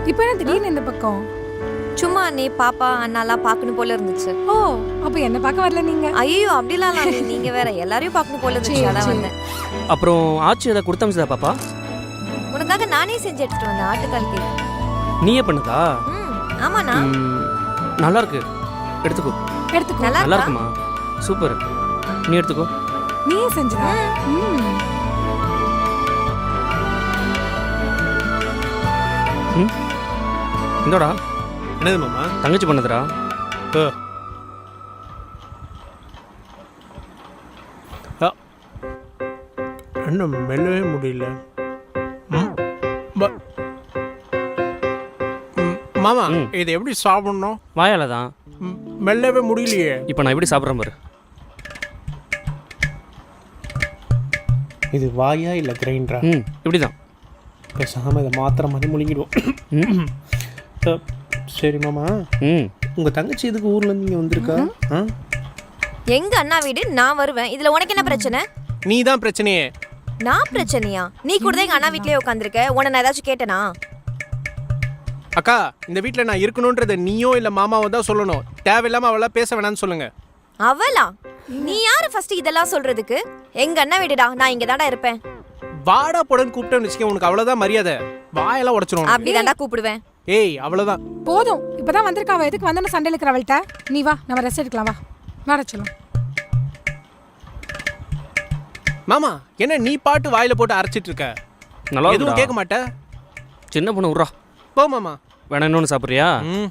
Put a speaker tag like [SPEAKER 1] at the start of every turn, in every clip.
[SPEAKER 1] இப்போ என்ன திடீர்னு இந்த பக்கம்?
[SPEAKER 2] சும்மா நீ பாப்பா அண்ணாலாம் பார்க்கணும் போல இருந்துச்சு.
[SPEAKER 1] ஓ, அப்ப என்ன பார்க்க வரல நீங்க?
[SPEAKER 2] ஐயோ அப்படிலாம் இல்ல, நீங்க வேற எல்லாரையும் பார்க்கணும் போல இருந்துச்சு, அதான் வந்தேன்.
[SPEAKER 3] அப்புறம் ஆச்சி ஏதாவது கொடுத்தமிச்சதா பாப்பா?
[SPEAKER 2] உனக்காக நானே செஞ்சு எடுத்துட்டு வந்தேன் ஆட்டுக்கால் கேக்.
[SPEAKER 3] நீயே பண்ணதா?
[SPEAKER 2] ஆமாண்ணா.
[SPEAKER 3] நல்லா இருக்கு, எடுத்துக்கோ.
[SPEAKER 1] எடுத்துக்கோ.
[SPEAKER 3] நல்லா இருக்குமா? சூப்பர், நீ எடுத்துக்கோ.
[SPEAKER 1] நீயே செஞ்சதா?
[SPEAKER 3] இந்தோடா.
[SPEAKER 4] என்னது மாமா?
[SPEAKER 3] தங்கச்சி பண்ணதுடா.
[SPEAKER 4] இன்னும் மெல்லவே முடியல. மாமா இதை எப்படி சாப்பிடணும்?
[SPEAKER 3] வாயால தான்.
[SPEAKER 4] மெல்லவே முடியலையே.
[SPEAKER 3] இப்போ நான் எப்படி சாப்பிட்றேன் பாரு.
[SPEAKER 4] இது வாயா இல்லை கிரைண்டரா?
[SPEAKER 3] இப்படி தான்.
[SPEAKER 4] பேசாமல் இதை மாத்திர மாதிரி முழுங்கிடுவோம். சரி மாமா, உங்கள் தங்கச்சி எதுக்கு ஊர்லேருந்து இங்கே வந்திருக்கா?
[SPEAKER 2] எங்க அண்ணா வீடு, நான் வருவேன். இதுல உனக்கு என்ன பிரச்சனை?
[SPEAKER 4] நீ தான் பிரச்சனையே.
[SPEAKER 2] நான் பிரச்சனையா? நீ கூட தான் எங்க அண்ணா வீட்லயே உட்காந்துருக்க. உன்னை நான் ஏதாச்சும் கேட்டேனா?
[SPEAKER 4] அக்கா, இந்த வீட்டில் நான் இருக்கணுன்றதை நீயோ இல்லை மாமாவோ தான் சொல்லணும். தேவையில்லாமல் அவளா பேச வேணான்னு சொல்லுங்க.
[SPEAKER 2] அவளா? நீ யாரு ஃபர்ஸ்ட் இதெல்லாம் சொல்றதுக்கு? எங்க அண்ணா வீடுடா, நான் இங்க தான்டா இருப்பேன்.
[SPEAKER 4] வாடா போடன்னு கூப்பிட்டேன்னு வச்சுக்க, உனக்கு அவ்வளோதான் மரியாதை. வாயெல்லாம் உடச்சிடும்.
[SPEAKER 2] அப்படிதான்டா கூப்பிடுவேன்.
[SPEAKER 4] ஏய், அவ்வளோதான்
[SPEAKER 1] போதும். இப்பதான் வந்திருக்கா, அவ எதுக்கு வந்தோன்னு சண்டை இருக்கிற அவள்கிட்ட? நீ வா, நம்ம ரெஸ்ட் எடுக்கலாம். வா, வர சொல்லும்.
[SPEAKER 4] மாமா, என்ன நீ பாட்டு வாயில போட்டு அரைச்சிட்டு இருக்க?
[SPEAKER 3] நல்லா
[SPEAKER 4] எதுவும் கேட்க மாட்ட?
[SPEAKER 3] சின்ன பொண்ணு விட்றா.
[SPEAKER 4] போ மாமா.
[SPEAKER 3] வேணா இன்னொன்று சாப்பிட்றியா?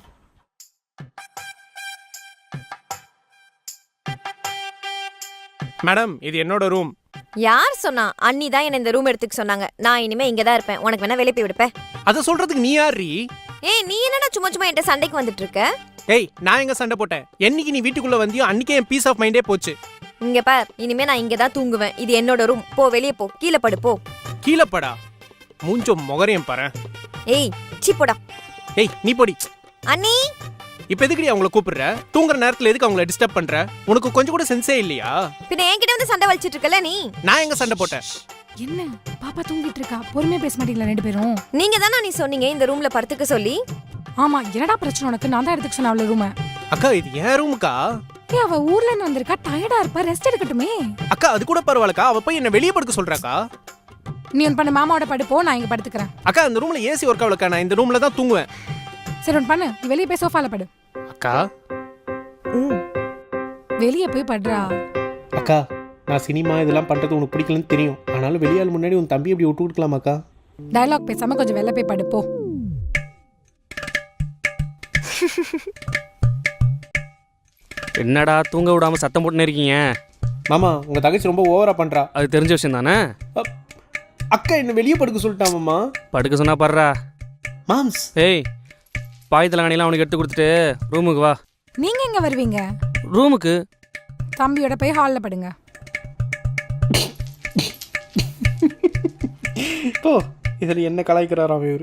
[SPEAKER 4] மேடம், இது என்னோட ரூம்.
[SPEAKER 2] யார் சொன்னா? அண்ணி தான் என்ன இந்த ரூம் எடுத்துக்க சொன்னாங்க. நான் இனிமே இங்க தான் இருப்பேன். உனக்கு வேணா வெளியே போய் விடுப்பேன்.
[SPEAKER 4] அதை சொல்றதுக்கு நீ யார்?
[SPEAKER 2] ஏய், நீ என்னடா சும்மா சும்மா என்கிட்ட சண்டைக்கு வந்துட்டு இருக்க?
[SPEAKER 4] ஏய், நான் எங்க சண்டை போட்டேன்? என்னைக்கு நீ வீட்டுக்குள்ள வந்தியோ அன்னைக்கே என் பீஸ் ஆஃப் மைண்டே போச்சு.
[SPEAKER 2] இங்க பார், இனிமே நான் இங்க தான் தூங்குவேன். இது என்னோட ரூம். போ, வெளியே போ, கீழே படு, போ.
[SPEAKER 4] கீழே படா? மூஞ்சோ முகரையும் பாரு.
[SPEAKER 2] ஏய், சீ போடா.
[SPEAKER 4] ஏய், நீ போடி.
[SPEAKER 2] அண்ணி,
[SPEAKER 4] இப்ப எதுக்குடி அவங்கள கூப்பிடுற? தூங்குற நேரத்துல எதுக்கு அவங்கள டிஸ்டர்ப் பண்ற? உனக்கு கொஞ்சம் கூட சென்ஸே இல்லையா?
[SPEAKER 2] பின்ன என்கிட்ட வந்து சண்டை வலிச்சிட்டு இருக்கல நீ?
[SPEAKER 4] நான் எங்க சண்டை போட்டேன்?
[SPEAKER 1] என்ன பாப்பா தூங்கிட்டு இருக்கா? பொறுமையா பேச மாட்டீங்களா ரெண்டு பேரும்?
[SPEAKER 2] நீங்க தானே நீ சொன்னீங்க இந்த ரூம்ல படுத்துக்க சொல்லி.
[SPEAKER 1] ஆமா, என்னடா பிரச்சனை உனக்கு? நான் தான் எடுத்துக்க சொன்ன அவள ரூம.
[SPEAKER 4] அக்கா, இது ஏன் ரூமுக்கா?
[SPEAKER 1] ஏய், அவ ஊர்ல இருந்து வந்திருக்கா, டயர்டா இருப்பா, ரெஸ்ட் எடுக்கட்டுமே.
[SPEAKER 4] அக்கா, அது கூட பரவாயில்லக்கா. அவ போய் என்ன வெளியே படுக்க சொல்றாக்கா?
[SPEAKER 1] நீ ஒன்று பண்ணு, மாமாவோட படுப்போ, நான் இங்க படுத்துக்கிறேன்.
[SPEAKER 4] அக்கா, இந்த ரூம்ல ஏசி ஒர்க் ஆகலக்கா. நான் இந்த ரூம்ல தான் தூங்குவேன்.
[SPEAKER 1] சரி, ஒன்று பண்ணு, நீ வெளியே போய் சோஃபால படு.
[SPEAKER 4] அக்கா,
[SPEAKER 1] வெளியே போய் படுறா.
[SPEAKER 4] அக்கா, நான் சினிமா இதெல்லாம் பண்றது உனக்கு பிடிக்கலன்னு தெரியும். ஆனாலும் வெளியாள் முன்னாடி உன் தம்பி எப்படி விட்டு கொடுக்கலாமாக்கா?
[SPEAKER 1] டயலாக் பேசாம கொஞ்சம் வெளில போய் படுப்போ.
[SPEAKER 3] என்னடா தூங்க விடாம சத்தம் போட்டுன்னு இருக்கீங்க?
[SPEAKER 4] மாமா, உங்க தங்கச்சி ரொம்ப ஓவரா பண்றா.
[SPEAKER 3] அது தெரிஞ்ச விஷயம் தானே.
[SPEAKER 4] அக்கா, என்ன வெளியே படுக்க சொல்லிட்டா மாமா.
[SPEAKER 3] படுக்க சொன்னா படுறா.
[SPEAKER 4] மாம்ஸ்,
[SPEAKER 3] ஏய், பாய் தலைகாணிலாம் அவனுக்கு எடுத்து கொடுத்துட்டு ரூமுக்கு வா.
[SPEAKER 1] நீங்க எங்க வருவீங்க?
[SPEAKER 3] ரூமுக்கு.
[SPEAKER 1] தம்பியோட போய் ஹால்ல படுங்க.
[SPEAKER 4] ஓ, இதில் என்ன கலாய்க்கிறாராம் இவர்?